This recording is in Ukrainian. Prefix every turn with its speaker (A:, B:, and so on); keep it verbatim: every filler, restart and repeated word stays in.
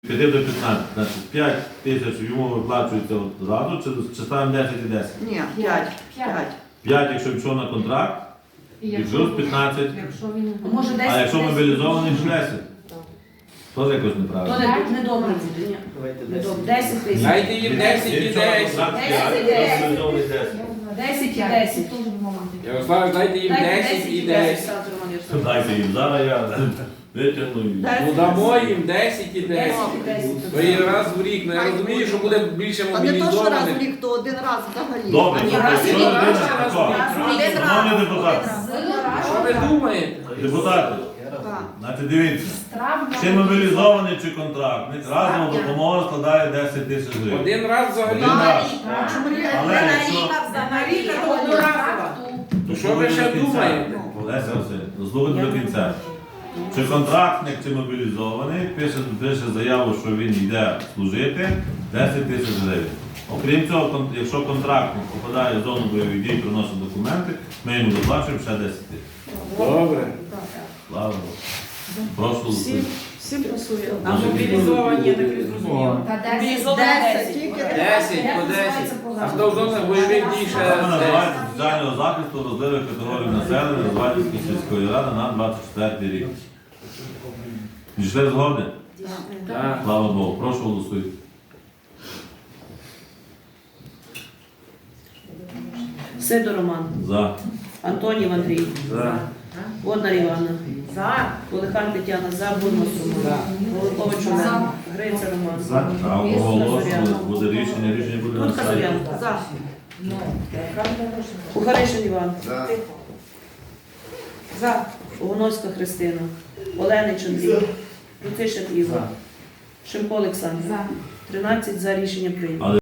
A: п'ять до п'ятнадцяти, значить п'ять тисяч йому виплачується одразу, чи, чи ставимо десять і десять?
B: Ні, п'ять. п'ять.
A: п'ять, якщо пішов на контракт, і плюс п'ятнадцять.
C: Якщо він не
D: Може, десять,
A: А якщо
D: десять.
A: мобілізований, то десять. Теж якось
D: То
A: неправильно.
D: не, не добре буде, ні. Не добре. десять тисяч.
E: Дайте їм десять і
A: Якщо на
E: десять.
A: контракт
D: Десять і
A: п'ять,
D: десять.
A: мобілізований десять.
D: десять і десять.
E: Ярослав, дайте їм
D: Дайте
E: десять і
D: десять,
E: десять.
D: Олександр Романович.
A: Дайте їм, зараз я витягну їм.
E: Ну дамо їм десять і десять.
D: десять і десять.
E: То є раз в рік. Ну я розумію, що буде більше
B: А не то, що раз в
E: мобілізованих.
B: рік, то один раз взагалі.
A: Добре,
D: Ні,
A: добре.
D: раз і
A: Що
D: рік,
A: людина
E: раз і
A: така?
B: Один раз.
A: Шановні депутати,
E: Що ви думаєте?
A: депутати,
B: Так.
A: значить дивіться, чи мобілізований, чи контрактник, разом допомога складає десять тисяч гривень.
E: Один раз взагалі.
A: Один раз.
B: А чому рік?
A: Але якщо...
B: На рік, а одноразово.
E: То що ви ще думаєте?
A: Леся Васильівна, слухайте до кінця. Чи контрактник, чи мобілізований, пише, пише заяву, що він йде служити, десять тисяч гривень. Окрім цього, кон- якщо контрактник попадає в зону бойових дій, приносить документи, ми йому доплачуємо ще десять тисяч.
E: Добре.
A: Слава Богу. Прошу.
D: Всім, всім пасує.
A: А
D: мобілізовані, я так і зрозуміла.
C: Та
B: Десять, тільки
E: Десять по десять. А хто в зонах бойових дій ще
A: Саме
E: десять?
A: називається соціального захисту розливих категорій населення Розвадівської сільської ради на двадцять четвертий рік. Дійшли згоди?
E: Так.
A: Слава Богу. Прошу голосуйте.
D: Сидор Роман.
A: За.
D: Антонів Андрій.
E: За.
D: Водна Івана. За. Полихан Тетяна. За. Бурмас Роман. Голикович Олег. Гриця Роман.
A: А оголошували, буде рішення, рішення буде на
D: Тут
A: сайті.
D: Казарян.
B: За.
D: Кухаришин Іван. За. Огоновська Христина. Оленич Андрій. Рутишин Ігор. Шимко Олександр. тринадцять за рішення прийнято.